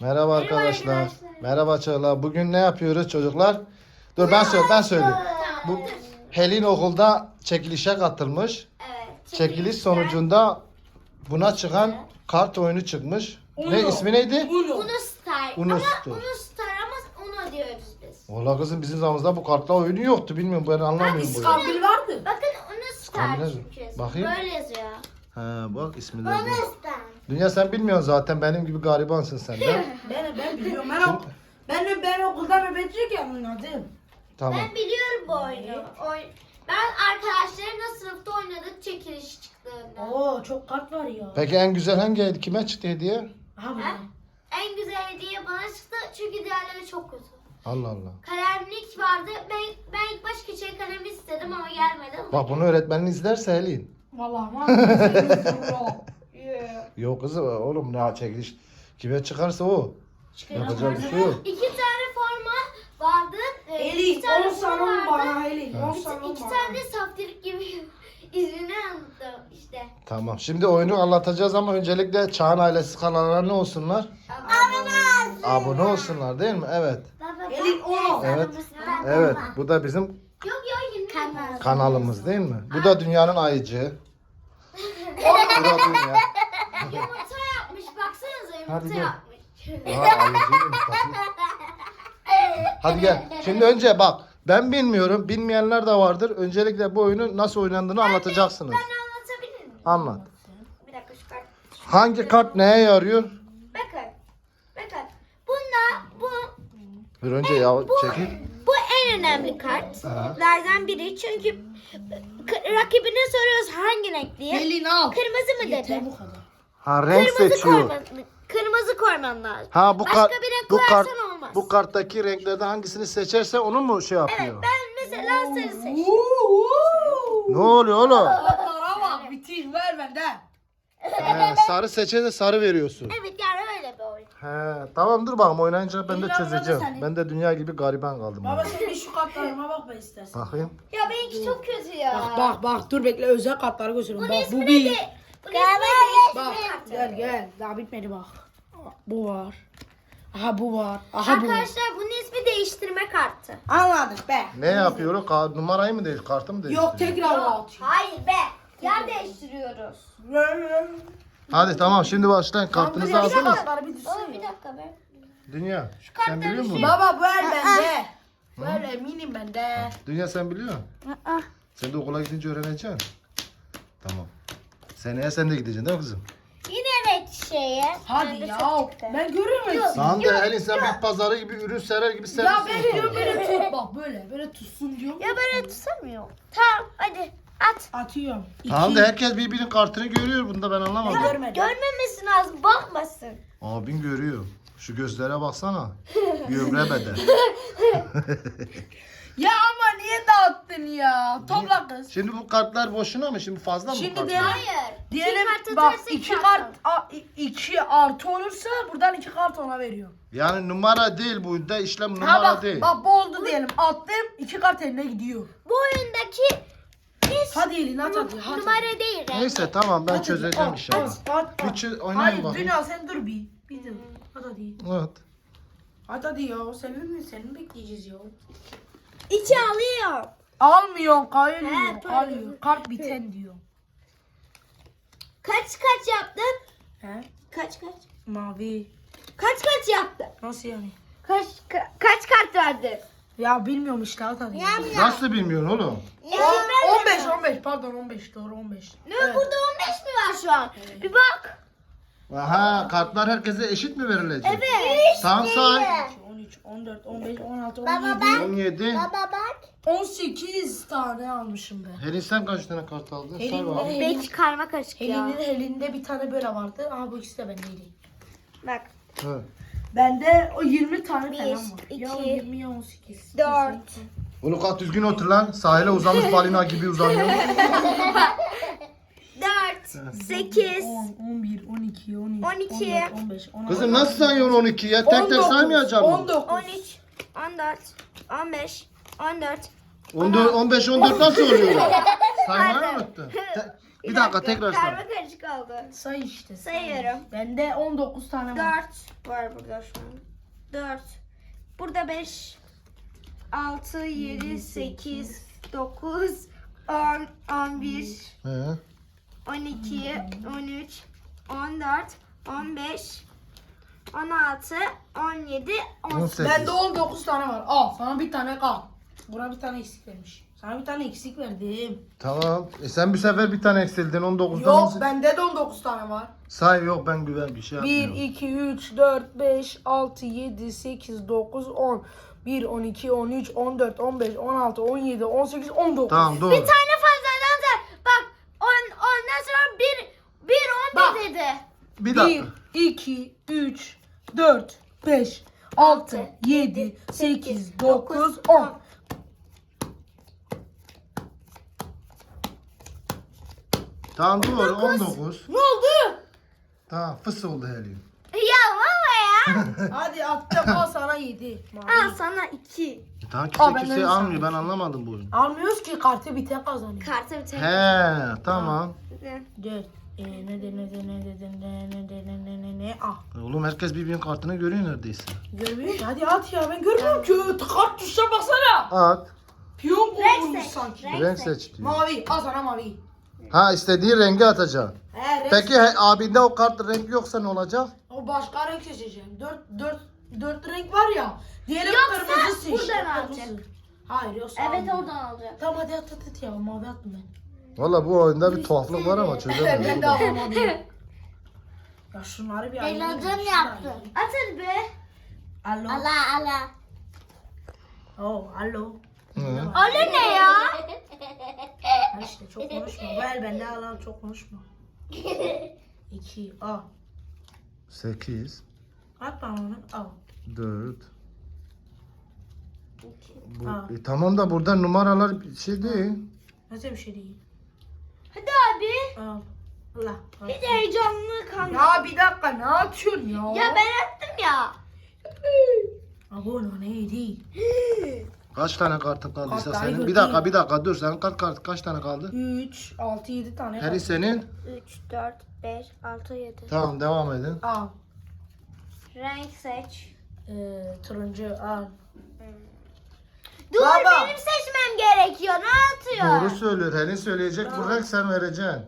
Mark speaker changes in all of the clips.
Speaker 1: Merhaba arkadaşlar. Merhaba Çağla. Bugün ne yapıyoruz çocuklar? Dur ben söyleyeyim. Bu Helin okulda çekilişe katılmış.
Speaker 2: Evet.
Speaker 1: Çekiliş sonucunda buna çıkan kart oyunu çıkmış. Ne ismi neydi?
Speaker 2: Uno Star.
Speaker 1: Uno
Speaker 2: Ama
Speaker 1: Star.
Speaker 2: Uno Star ama Uno diyoruz biz.
Speaker 1: Valla kızım bizim zamanımızda bu kartla oyunu yoktu. Bilmiyorum ben anlamıyorum bu oyunu.
Speaker 3: İskambil vardı.
Speaker 2: Bakın Uno Star
Speaker 1: Tahmin
Speaker 2: çünkü.
Speaker 1: bakayım.
Speaker 2: Böyle yazıyor.
Speaker 1: Ha bak ismi de bu.
Speaker 2: Star.
Speaker 1: Dünya sen bilmiyorsun zaten benim gibi garibansın sen de.
Speaker 3: Ben biliyorum. Ben okulda nöbetçiyken oynadım.
Speaker 1: Tamam.
Speaker 2: Ben biliyorum bu oyunu. Ben arkadaşlarımla sınıfta oynadık çekiliş çıktığında.
Speaker 3: Oo çok kart var ya.
Speaker 1: Peki en güzel hangi kime çıktı hediye?
Speaker 3: Aha bu.
Speaker 2: Ha? En güzel hediye bana çıktı çünkü diğerleri çok kötü.
Speaker 1: Allah Allah.
Speaker 2: Kalemlik vardı. Ben ilk baş keçeli kalemi istedim ama gelmedi.
Speaker 1: Bak bunu öğretmenin izlerse Helin.
Speaker 3: Vallahi var.
Speaker 1: Yok kızım oğlum ne çekiliş. Kime çıkarsa o. Yapacak bir şey yok.
Speaker 2: İki tane forma vardı.
Speaker 3: Eli
Speaker 2: İki tane
Speaker 3: 10 sanım
Speaker 2: vardı.
Speaker 3: bana Eli. 10 sanım
Speaker 2: İki
Speaker 3: bana.
Speaker 2: tane saftirik gibi izini anlattım işte.
Speaker 1: Tamam. Şimdi oyunu anlatacağız ama öncelikle Çağan ailesi kanalına ne olsunlar? Abone olsunlar değil mi? Evet.
Speaker 2: Baba,
Speaker 3: Elin onu.
Speaker 1: Evet. Evet. Bu da bizim
Speaker 2: Yok yok yine.
Speaker 1: kanalımız değil mi? Bu da dünyanın ayıcı. Bu da dünya.
Speaker 2: Yumurta yapmış baksanıza
Speaker 1: Hadi
Speaker 2: yumurta
Speaker 1: gel.
Speaker 2: yapmış.
Speaker 1: Ha, ayıcıymış, bakayım. Hadi gel. Şimdi önce bak. Ben bilmiyorum. Bilmeyenler de vardır. Öncelikle bu oyunu nasıl oynandığını anlatacaksınız.
Speaker 2: Ben anlatabilir miyim?
Speaker 1: Anlat.
Speaker 2: Bir dakika şu kart.
Speaker 1: Hangi kart neye yarıyor?
Speaker 2: Bakın. Bakın. Bu
Speaker 1: Bir önce ya çekil.
Speaker 2: Bu en önemli kartlardan biri çünkü rakibine soruyoruz hangi renk diye.
Speaker 3: Elin al.
Speaker 2: Kırmızı mı dedi?
Speaker 3: Yeter bu kadar.
Speaker 1: Ha renk seçiyor.
Speaker 2: Kırmızı koyman lazım.
Speaker 1: Ha bu
Speaker 2: Başka
Speaker 1: kart
Speaker 2: bir renk
Speaker 1: bu kart
Speaker 2: koyarsan olmaz.
Speaker 1: bu karttaki renklerden hangisini seçerse onu mu şey yapıyor?
Speaker 2: Ben mesela sarı seçtim.
Speaker 1: Ne oluyor oğlum?
Speaker 3: Kartlara bak. Bitir ver benden.
Speaker 1: He, sarı seçerse sarı veriyorsun.
Speaker 2: Evet yani öyle bir oyun.
Speaker 1: He, tamam dur bakalım oynayınca ben de
Speaker 3: İlla
Speaker 1: çözeceğim.
Speaker 3: burada senin.
Speaker 1: Ben de dünya gibi gariban kaldım.
Speaker 3: Baba
Speaker 1: yani.
Speaker 3: sen bir şu kartlarıma bak be istersen.
Speaker 1: Bakayım.
Speaker 2: Ya benimki çok kötü ya.
Speaker 3: Bak dur bekle özel kartları gösteriyorum.
Speaker 2: Bunun
Speaker 3: Bak
Speaker 2: ismi
Speaker 3: bu
Speaker 2: neydi?
Speaker 3: bir.
Speaker 2: Bunun ismi
Speaker 3: Bak
Speaker 2: neydi?
Speaker 3: gel daha bitmedi bak. Bu var. Aha bu var. Aha bu var.
Speaker 2: Arkadaşlar bunun ismi değiştirme kartı.
Speaker 3: Anladık be.
Speaker 1: Ne yapıyor o? Numarayı mı değil, kartı mı değiştiriyor?
Speaker 3: Yok tekrar atıyor.
Speaker 2: Hayır be. Yer değiştiriyoruz.
Speaker 1: Hadi tamam şimdi başlayın. Kartınızı aldınız.
Speaker 3: Kartları bir
Speaker 2: Baba
Speaker 3: düşsün.
Speaker 2: bir dakika be.
Speaker 1: Dünya. Sen biliyor musun?
Speaker 3: Baba ver bende. Ver eminim bende.
Speaker 1: Dünya sen biliyor musun? Sen de okula gidince öğreneceksin. Tamam. Seneye sen de gideceksin değil mi kızım?
Speaker 2: Yine renk şeyi.
Speaker 3: Hadi
Speaker 2: Bende
Speaker 3: ya.
Speaker 2: çok çıktı.
Speaker 3: Ben görüyorum hepsini.
Speaker 1: Tamam da Elin sen bir pazarı gibi ürün serer gibi
Speaker 3: Ya
Speaker 1: sermişsin.
Speaker 3: ben diyorum böyle tut bak böyle tutsun diyorum.
Speaker 2: Ya böyle tutamıyorum. Tamam hadi at.
Speaker 3: Atıyorum.
Speaker 1: Tamam da herkes birbirinin kartını görüyor bunda ben anlamadım.
Speaker 3: Görmedim.
Speaker 2: Görmemesi lazım bakmasın.
Speaker 1: Abin görüyor. Şu gözlere baksana. Gömre beden.
Speaker 3: Ya ama niye dağıttın ya? Topla kız.
Speaker 1: Şimdi bu kartlar boşuna mı? Şimdi fazla mı bu
Speaker 3: Şimdi
Speaker 1: kartlar?
Speaker 3: de-
Speaker 2: Hayır.
Speaker 3: Diyelim
Speaker 2: kart
Speaker 3: bak
Speaker 2: atarsa
Speaker 3: 2
Speaker 2: kart
Speaker 3: kart 2 artı olursa buradan 2 kart ona veriyor.
Speaker 1: Yani numara değil bu da işlem
Speaker 3: Ha
Speaker 1: numara
Speaker 3: bak
Speaker 1: değil.
Speaker 3: bak bu oldu diyelim attım 2 kart eline gidiyor.
Speaker 2: Bu oyundaki
Speaker 3: Hadi elin at hadi. Hadi.
Speaker 2: numara değil renk.
Speaker 1: Neyse tamam ben
Speaker 3: Hadi,
Speaker 1: çözeceğim
Speaker 3: at,
Speaker 1: inşallah.
Speaker 3: at.
Speaker 1: Bir oynayın
Speaker 3: Hayır
Speaker 1: bakayım.
Speaker 3: Dünya sen dur bir. Bir dur. Hadi.
Speaker 1: Evet.
Speaker 3: Hadi ya senin bekleyeceğiz ya.
Speaker 2: İçi alıyor.
Speaker 3: Almıyor kayıyor.
Speaker 2: He,
Speaker 3: Alıyor. Kart biten diyor.
Speaker 2: Kaç yaptın?
Speaker 3: He?
Speaker 2: Kaç?
Speaker 3: Mavi.
Speaker 2: Kaç yaptın?
Speaker 3: Nasıl yani?
Speaker 2: Kaç kart verdin?
Speaker 3: Ya bilmiyorum işte at hadi.
Speaker 1: Nasıl bilmiyorsun oğlum?
Speaker 3: 15 pardon 15 doğru 15.
Speaker 2: Ne burada 15 mi var şu an? Bir bak.
Speaker 1: Aha kartlar herkese eşit mi verilecek?
Speaker 2: Evet.
Speaker 1: Tam say.
Speaker 3: 13, 14, 15, 16,
Speaker 2: Baba
Speaker 3: 17,
Speaker 2: ben.
Speaker 1: 17.
Speaker 2: Baba bak.
Speaker 3: 18 tane almışım ben.
Speaker 1: Helin sen kaç tane kart aldın? Say
Speaker 3: Elimde,
Speaker 1: bakalım.
Speaker 2: Belki karma karışık ya.
Speaker 3: elinde bir tane böyle vardı. Aha bu ikisi de bendeydi.
Speaker 2: Bak.
Speaker 1: Evet.
Speaker 3: Bende o 20 tane
Speaker 2: Bir,
Speaker 3: falan var. Ya
Speaker 2: iki,
Speaker 3: 20 ya 18.
Speaker 2: 4.
Speaker 1: Oğlum kalk düzgün otur lan. Sahile uzamış balina gibi uzanıyor.
Speaker 2: 4. 8.
Speaker 3: 10, 11, 12, 13,
Speaker 2: 12.
Speaker 3: 14, 15, 16.
Speaker 1: Kızım nasıl sayıyorsun 12 ya? Tek tek saymayacağım mı?
Speaker 3: 19.
Speaker 2: 13. 14. 15. 14.
Speaker 1: 14, 15, 14 nasıl oluyor? Saymayı unuttun. Bir dakika tekrar say.
Speaker 2: Karma karışık oldu.
Speaker 3: Say işte.
Speaker 2: Sayıyorum.
Speaker 3: Bende 19 tane var.
Speaker 2: 4 var burada şu an. 4. Burada 5, 6, 7, 8, 9, 10, 11,
Speaker 1: He.
Speaker 2: 12, 13, 14, 15, 16, 17, 18.
Speaker 1: 18.
Speaker 3: Bende 19 tane var. Al sana bir tane kal. Buna bir tane eksik vermiş. Sana bir tane eksik verdim.
Speaker 1: Tamam. Sen bir sefer bir tane eksildin 19'dan.
Speaker 3: Yok bende de 19 tane var.
Speaker 1: Say yok ben güven bir şey
Speaker 3: 1,
Speaker 1: yapmıyorum.
Speaker 3: 2, 3, 4, 5, 6, 7, 8, 9, 10. 1, 12, 13, 14, 15, 16, 17, 18, 19.
Speaker 1: Tamam doğru.
Speaker 2: Bir tane fazladan say. Bak ondan sonra 1, 11 dedi.
Speaker 1: Bir dakika.
Speaker 3: 1, 2, 3, 4, 5, 6, 7, 8, 9, 10.
Speaker 1: Tamam doğru 19.
Speaker 3: Ne oldu?
Speaker 1: Tamam fıs oldu Helin.
Speaker 2: Ya baba ya.
Speaker 3: Hadi attım al sana 7.
Speaker 2: Al sana 2.
Speaker 1: Tamam
Speaker 3: Aa,
Speaker 1: kimse
Speaker 3: ben
Speaker 1: kimse
Speaker 3: öyle
Speaker 1: almıyor ben anlamadım bu oyunu.
Speaker 3: Almıyoruz ki kartı biten kazanıyor.
Speaker 2: Kartı bir tek.
Speaker 1: He tamam.
Speaker 3: 4. Ne? Ah.
Speaker 1: Oğlum herkes birbirinin kartını görüyor neredeyse.
Speaker 3: Görmüyor musun? Hadi at ya ben görmüyorum ki. Kart tuşuna baksana.
Speaker 1: At.
Speaker 3: Piyon
Speaker 2: Renk
Speaker 3: bulmuş
Speaker 2: seç.
Speaker 3: sanki.
Speaker 1: Renk seç diyor.
Speaker 3: Mavi. Al sana mavi.
Speaker 1: Ha istediğin rengi atacaksın.
Speaker 3: He renk.
Speaker 1: Peki abinde o kart renk yoksa ne olacak?
Speaker 3: O başka renk seçeceğim. 4 renk var ya. Diğeri
Speaker 2: Yoksa
Speaker 3: kırmızı seç.
Speaker 2: buradan
Speaker 3: Kırmızı.
Speaker 2: alacak.
Speaker 3: Hayır yoksa
Speaker 2: Evet
Speaker 3: almayayım.
Speaker 2: oradan alacak.
Speaker 3: Tamam hadi at ya. Mavi attım ben.
Speaker 1: Valla bu oyunda bir tuhaflık var ama
Speaker 3: Ben
Speaker 1: çözemiyorum.
Speaker 3: de alamadım. Ya şunları bir ayırayım.
Speaker 2: Eğlencem
Speaker 3: Şunları
Speaker 2: yaptı.
Speaker 3: ayırayım.
Speaker 2: Atın be.
Speaker 3: Alo.
Speaker 2: Allah.
Speaker 3: Oh, alo.
Speaker 1: Hı.
Speaker 2: Öyle ne ya?
Speaker 3: Ha işte çok konuşma. Ver bende al çok konuşma. 2 al.
Speaker 1: 8,
Speaker 3: At bana onu al.
Speaker 1: 4.
Speaker 3: Ha.
Speaker 1: Tamam da burada numaralar bir şey değil.
Speaker 3: Nasıl bir şey değil.
Speaker 2: Hadi abi.
Speaker 3: Al. Allah. al.
Speaker 2: Bir de heyecanlı kalma.
Speaker 3: Ya bir dakika ne atıyorsun ya?
Speaker 2: Ya ben attım ya.
Speaker 3: Abone neydi?
Speaker 1: Kaç tane kartın kaldıysa
Speaker 3: Kartları
Speaker 1: senin?
Speaker 3: götüreyim.
Speaker 1: Bir dakika dur senin kaç tane kaldı?
Speaker 3: 3, 6, 7 tane.
Speaker 1: Heri senin.
Speaker 2: 3, 4, 5, 6, 7.
Speaker 1: Tamam devam edin.
Speaker 3: Al.
Speaker 2: Renk seç.
Speaker 3: Turuncu al.
Speaker 2: Dur
Speaker 3: Baba.
Speaker 2: benim seçmem gerekiyor. Ne atıyor?
Speaker 1: Doğru söylüyor. Helin söyleyecek bu renk sen vereceksin.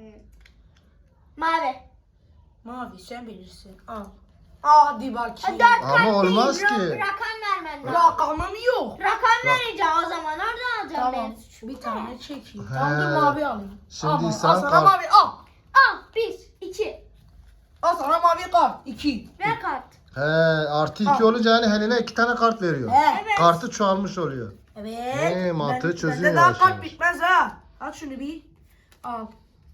Speaker 2: Mavi.
Speaker 3: Mavi sen bilirsin. Al. Hadi bakayım.
Speaker 2: Dört
Speaker 1: Ama
Speaker 2: kart değil,
Speaker 1: olmaz ki.
Speaker 2: Rakam vermen lazım.
Speaker 3: Rakamım yok.
Speaker 2: Rakam vereceğim o zaman. Oradan alacağım
Speaker 3: Tamam.
Speaker 2: benim suçum.
Speaker 3: Bir tane çekeyim.
Speaker 1: He.
Speaker 3: Tamam dur mavi alayım.
Speaker 1: Şimdi
Speaker 3: Ama,
Speaker 1: sen
Speaker 3: al sana
Speaker 1: kart-
Speaker 3: mavi al.
Speaker 2: Al. 1, 2.
Speaker 3: Al sana mavi kart. 2.
Speaker 2: Ver kart.
Speaker 1: He artı 2 olunca yani Helin'e 2 tane kart veriyor.
Speaker 3: He.
Speaker 1: Kartı çoğalmış oluyor.
Speaker 3: Evet.
Speaker 1: Mantığı çözüyor
Speaker 3: Bende daha
Speaker 1: yavaş
Speaker 3: kart
Speaker 1: yavaş.
Speaker 3: bitmez ha. Al şunu bir. Al.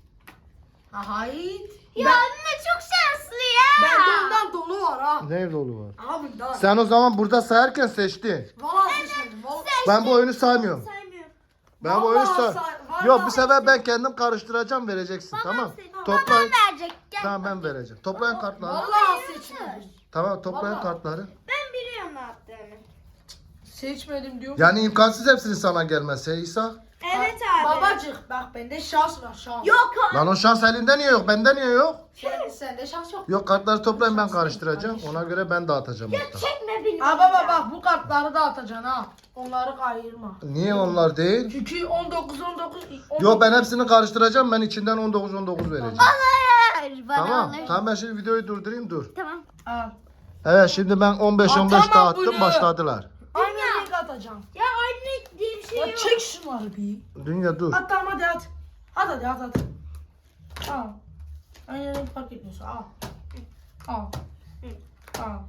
Speaker 3: Hayır.
Speaker 2: Ya anne çok şanslı ya.
Speaker 3: Bende ondan dolu var ha.
Speaker 1: Ne dolu var?
Speaker 3: Abi daha.
Speaker 1: Sen o zaman burada sayarken seçtin.
Speaker 3: Valla seçmedim. Valla.
Speaker 1: Ben bu oyunu saymıyorum.
Speaker 2: Saymıyorum.
Speaker 1: Ben bu oyunu
Speaker 3: Vallahi
Speaker 1: say.
Speaker 3: vallahi
Speaker 1: Yok bu sefer ben kendim karıştıracağım vereceksin tamam. Toplayın.
Speaker 2: Babam verecek. Gel.
Speaker 1: Tamam ben vereceğim. Toplayın kartları.
Speaker 3: Valla seçmedim.
Speaker 1: Tamam toplayın
Speaker 3: Vallahi.
Speaker 1: kartları.
Speaker 2: Ben biliyorum ne yaptığını.
Speaker 3: Seçmedim diyor.
Speaker 1: Yani imkansız hepsinin sana gelmesi İsa.
Speaker 2: Evet abi.
Speaker 3: Babacık bak bende şans var şans.
Speaker 2: Yok abi.
Speaker 1: Lan o şans elinde niye yok? Bende niye yok?
Speaker 3: Sende şans yok.
Speaker 1: Yok kartları toplayın ben karıştıracağım. Ona göre ben dağıtacağım hatta.
Speaker 2: Çekme beni.
Speaker 3: Ha baba bak bu kartları da atacaksın ha. Onları ayırma.
Speaker 1: Niye onlar değil?
Speaker 3: Çünkü 19
Speaker 1: Yok ben hepsini karıştıracağım. Ben içinden 19 vereceğim.
Speaker 2: Hayır. Bana
Speaker 1: Tamam.
Speaker 2: alır.
Speaker 1: Tamam ben şimdi videoyu durdurayım dur.
Speaker 2: Tamam.
Speaker 3: Al.
Speaker 1: Evet şimdi ben 15
Speaker 3: Atamam
Speaker 1: dağıttım
Speaker 3: bunu.
Speaker 1: başladılar.
Speaker 3: Aynı renk atacağım.
Speaker 2: Ya anne diye bir şey
Speaker 3: Ya
Speaker 2: yok.
Speaker 3: çek şunları bir.
Speaker 1: Dünya dur.
Speaker 3: At tamam hadi at. At hadi at. Al. Aynı renk fark etmiyorsun al. Al. Al.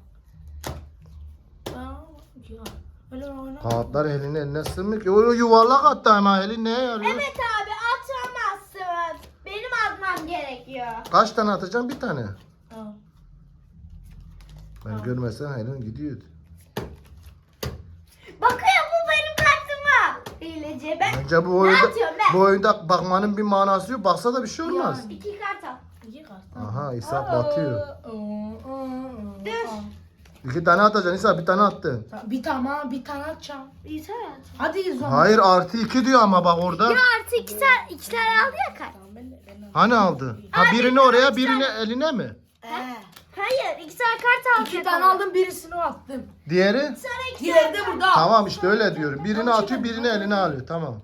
Speaker 3: Tamam. Ya. Öyle oyna.
Speaker 1: Kağıtlar elinin eline sığmıyor ki. O yuvarlak attı ama elin neye yarıyor?
Speaker 2: Evet abi atamazsın. Benim atmam gerekiyor.
Speaker 1: Kaç tane atacağım? Bir tane.
Speaker 3: Al.
Speaker 1: Ben görmesem elin gidiyordu.
Speaker 2: Bakıyor bu benim kartıma. Hileci ben.
Speaker 1: Bence bu oyunda,
Speaker 2: atıyorum ben?
Speaker 1: bu oyunda bakmanın bir manası yok. Baksa da bir şey olmaz.
Speaker 2: 2 kart al.
Speaker 3: İki kart.
Speaker 1: Aha İsa batıyor.
Speaker 2: Dur.
Speaker 3: Al.
Speaker 1: 2 tane atacaksın İsa bir tane attın.
Speaker 3: Bir tane atacağım.
Speaker 2: İyi tamam.
Speaker 3: Hadi zaman.
Speaker 1: Hayır artı 2 diyor ama bak orada.
Speaker 2: Ya artı 2 tane aldı ya kart.
Speaker 3: Tamam Ben
Speaker 1: Hani aldı? Ha birini oraya birini eline mi?
Speaker 2: Hayır, 2 tane kart alacak.
Speaker 3: 2 tane aldım, birisini attım.
Speaker 1: Diğeri?
Speaker 3: Diğeri de burada.
Speaker 1: Tamam işte öyle diyorum. Birini atıyor birini eline alıyor. Tamam.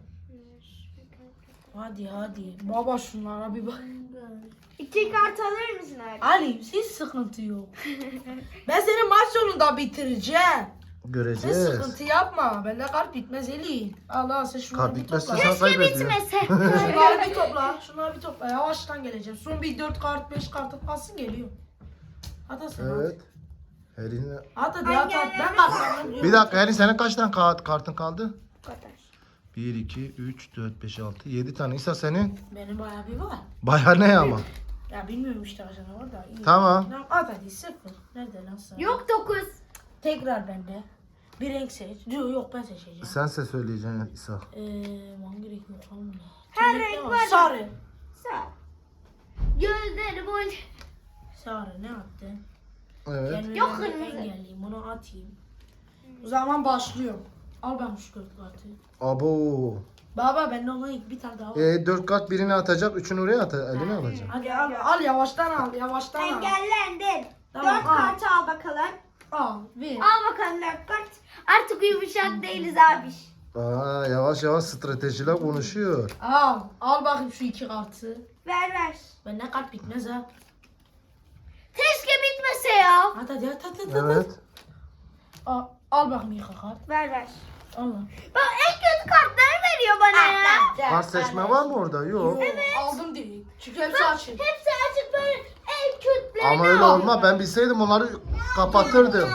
Speaker 3: Hadi. Baba şunlara bir bak.
Speaker 2: 2 kart alır mısın abi?
Speaker 3: Ali hiç sıkıntı yok. Ben seni maç sonunda bitireceğim. Sen
Speaker 1: Göreceğiz.
Speaker 3: sıkıntı yapma. Bende kart bitmez Eli. Allah sen şunları
Speaker 1: Kart
Speaker 3: bir
Speaker 1: bitmezse
Speaker 3: topla.
Speaker 1: sen kaybediyorsun.
Speaker 2: Bitmese.
Speaker 3: Şunları bir topla. Yavaştan geleceğim. Son bir 4 kart 5 kart kalsın geliyor. Hadi sen
Speaker 1: Evet. Eline...
Speaker 3: hadi. Hadi ben kartlarım.
Speaker 1: Bir dakika Elin senin kaç tane kartın kaldı?
Speaker 2: Bu kadar.
Speaker 1: 1, 2, 3, 4, 5, 6, 7 tane. İsa senin
Speaker 3: Benim bayağı bir var.
Speaker 1: bayağı ne ama?
Speaker 3: Ya bilmiyorum işte kaç tane var da. İyi.
Speaker 1: Tamam.
Speaker 3: Hadi 0. Nerede lan sen?
Speaker 2: Yok 9.
Speaker 3: Tekrar bende. Bir renk seç. Yok ben seçeceğim.
Speaker 1: Sense söyleyeceksin İsa.
Speaker 3: Hangi renk yok tamam mı?
Speaker 2: Her
Speaker 3: Tüm
Speaker 2: renk
Speaker 3: ne
Speaker 2: var.
Speaker 3: Sarı.
Speaker 2: Sağ. Gözleri boş.
Speaker 3: Sarı ne attın?
Speaker 1: Evet.
Speaker 3: Kendime
Speaker 2: Yok,
Speaker 3: ben
Speaker 2: kırmızı.
Speaker 3: engelleyeyim. Bunu atayım. O zaman başlıyorum. Al ben şu 4 kartı.
Speaker 1: Abo.
Speaker 3: Baba bende olan bir tane daha var.
Speaker 1: 4 kart birini atacak, üçünü oraya eline alacak.
Speaker 3: Hadi al yavaştan al yavaştan al.
Speaker 2: Engellendin.
Speaker 3: Tamam,
Speaker 2: 4
Speaker 3: al.
Speaker 2: kartı al bakalım.
Speaker 3: Al ver.
Speaker 2: Al bakalım 4 kart. Artık yumuşak değiliz abi.
Speaker 1: Aa, yavaş yavaş stratejiler konuşuyor.
Speaker 3: Al bakayım şu 2 kartı.
Speaker 2: Ver.
Speaker 3: Bende kart bitmez ha.
Speaker 2: Keşke bitmese ya.
Speaker 3: Hadi.
Speaker 1: Evet.
Speaker 3: Al bakayım 2 kart.
Speaker 2: Ver.
Speaker 3: Al.
Speaker 2: Bak en kötü kartları veriyor bana ya.
Speaker 1: Kart seçme var mı orada? Yok.
Speaker 3: Aldım direkt. Çünkü hepsi açık.
Speaker 2: Hepsi açık böyle en kötülerini
Speaker 1: Ama öyle
Speaker 2: al.
Speaker 1: olmaz. Ben bilseydim onları kapatırdım.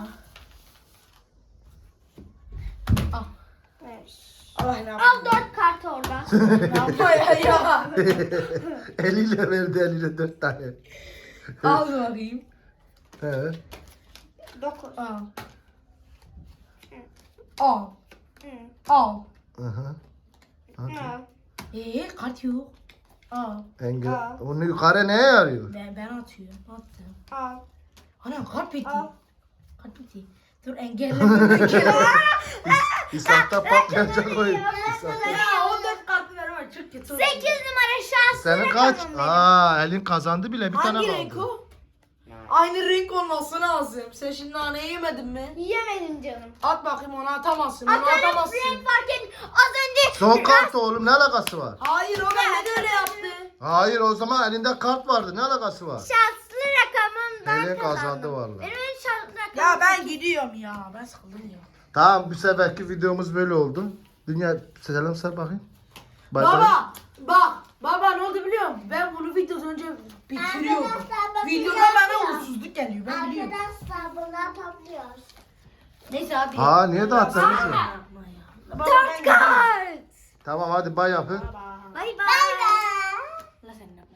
Speaker 2: Ver.
Speaker 3: Allah ne
Speaker 2: Al 4 kart orada.
Speaker 3: ya.
Speaker 1: Eliyle verdi eline 4 tane.
Speaker 3: Al bakayım.
Speaker 1: He.
Speaker 2: 9.
Speaker 3: Al.
Speaker 1: Aha.
Speaker 3: Kart yok. Al.
Speaker 1: Engel.
Speaker 2: Aa.
Speaker 1: Onu yukarı neye yarıyor?
Speaker 3: Ben atıyorum. Attım.
Speaker 2: Al.
Speaker 3: Ana kart bitti.
Speaker 2: Al.
Speaker 3: Kart bitti. Dur engelleme.
Speaker 1: İshak'ta patlayacak oyun. İshak'ta.
Speaker 3: Ya 14 kartı verme çok kötü.
Speaker 2: 8 numara şanslı
Speaker 1: Senin kaç?
Speaker 2: rakamım benim.
Speaker 1: Aa, Elin kazandı bile bir tane
Speaker 3: Hangi
Speaker 1: kaldı.
Speaker 3: renk o? Aynı renk olması lazım. Sen şimdi naneyi yemedin mi?
Speaker 2: Yemedim canım.
Speaker 3: At bakayım onu atamazsın. Onu
Speaker 2: Atarım
Speaker 3: atamazsın.
Speaker 2: renk fark et. Az önce
Speaker 1: Son kart oğlum ne alakası var?
Speaker 3: Hayır o bende de öyle yaptı.
Speaker 1: Hayır o zaman elinde kart vardı ne alakası var?
Speaker 2: şanslı rakamımdan
Speaker 1: Elin kazandı
Speaker 2: kazandım.
Speaker 1: vallahi.
Speaker 2: Benim en şanslı rakamım.
Speaker 3: Ya ben gidiyorum ya. Ben sıkıldım ya.
Speaker 1: Tamam bu seferki videomuz böyle oldu. Dünya selam sar bakayım. Bay bay.
Speaker 3: Baba bak. Baba ne oldu biliyor musun? Ben bunu videodan önce bitiriyordum.
Speaker 2: Arkadaşlar, bakın
Speaker 3: Videoda
Speaker 2: yapacağım.
Speaker 3: bana uğursuzluk geliyor. Ben biliyorum.
Speaker 2: Arkadaşlar bunlar topluyoruz.
Speaker 3: Neyse hadi.
Speaker 1: Aa niye dağıttınız ya?
Speaker 3: Yapma ya. Baba, ben
Speaker 2: 4
Speaker 3: gidiyorum.
Speaker 2: kart.
Speaker 1: Tamam hadi bay yapın.